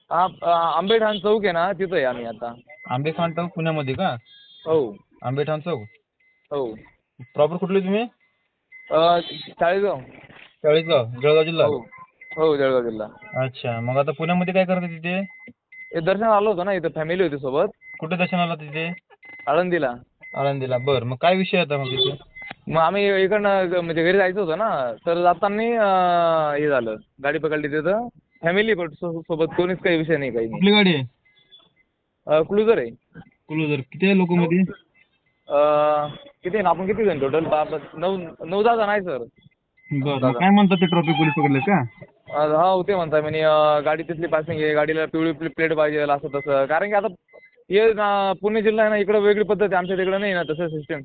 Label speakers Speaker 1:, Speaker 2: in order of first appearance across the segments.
Speaker 1: आंबेठाण चौक आहे ना, तिथं आहे आम्ही आता.
Speaker 2: आंबेठाण चौक पुण्यामध्ये का?
Speaker 1: हो
Speaker 2: आंबेठाण चौक.
Speaker 1: हो.
Speaker 2: प्रॉपर कुठले तुम्ही?
Speaker 1: चाळीसगाव.
Speaker 2: चाळीसगाव, जळगाव जिल्हा.
Speaker 1: हो हो, जळगाव जिल्हा.
Speaker 2: अच्छा, मग आता पुण्यामध्ये काय करता तिथे?
Speaker 1: हे दर्शन आलो होतो ना, इथं फॅमिली होती सोबत.
Speaker 2: कुठे दर्शनाला तिथे?
Speaker 1: आळंदीला.
Speaker 2: आळंदीला. बरं, मग काय विषय होता मग तिथे?
Speaker 1: मग आम्ही इकडनं म्हणजे घरी जायचं होतं ना, तर जाताना हे झालं, गाडी पकडली तिथं. फॅमिली सोबत कोणीच काही विषय नाही, काही
Speaker 2: कुठली गाडी आहे?
Speaker 1: नाही. क्लुझर आहे.
Speaker 2: क्लोजर. किती आहे लोक मध्ये?
Speaker 1: किती आहे ना, आपण किती जण टोटल? 9-10 जण आहे सर.
Speaker 2: बरं, मग
Speaker 1: 9-10
Speaker 2: काय
Speaker 1: जण.
Speaker 2: म्हणतात ते ट्रॉफिक पोलीस पकडले का?
Speaker 1: हा होते म्हणताय म्हणे, गाडी तिथली पासिंग आहे, गाडीला पिवळी प्लेट पाहिजे असं तसं. कारण की आता हे ना, पुणे जिल्हा आहे ना, इकडं वेगळी पद्धत आहे, आमच्या तिकडं नाही ना तसं सिस्टम.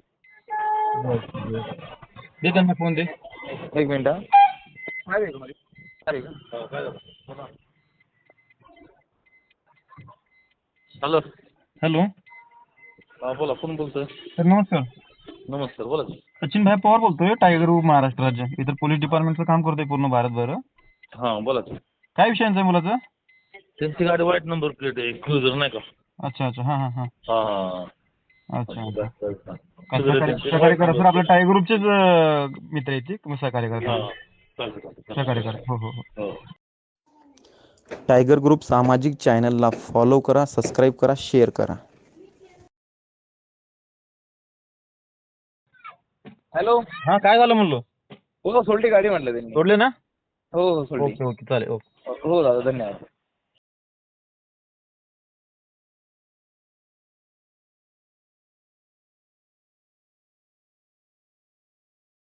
Speaker 2: दे त्यांना फोन दे.
Speaker 1: एक मिनिट हा. हॅलो.
Speaker 2: हॅलो.
Speaker 1: हा बोला, कोण बोलतोय?
Speaker 2: सर नमस्कार.
Speaker 1: नमस्कार, बोला.
Speaker 2: सचिन भाई पवार बोलतोय, टायगर ग्रुप महाराष्ट्र राज्य. इतर पोलीस डिपार्टमेंटचं काम करतोय पूर्ण भारतभर.
Speaker 1: हां बोला.
Speaker 2: काय विषयांचं आहे मुलाचं?
Speaker 1: त्यांची गाडी व्हाईट नंबर प्लेट आहे, क्रुझर नाही का?
Speaker 2: अच्छा अच्छा, हां हां हां.
Speaker 1: हां.
Speaker 2: अच्छा अच्छा.
Speaker 1: त्यांचे
Speaker 2: सहकार्य करा सर, आपल्या टायगर ग्रुपचेच मित्र आहेत ते. तुम्ही सहकार्य करा. सहकार्य करा. हो हो हो.
Speaker 3: टायगर ग्रुप सामाजिक चॅनलला फॉलो करा, सबस्क्राईब करा, शेअर करा.
Speaker 1: हॅलो.
Speaker 2: हां, काय झालं म्हणलो?
Speaker 1: हो, सोडली गाडी म्हटलं त्यांनी.
Speaker 2: सोडले ना?
Speaker 1: हो हो, सोडली.
Speaker 2: ओके ओके, चालेल. ओके.
Speaker 1: हो दादा, धन्यवाद.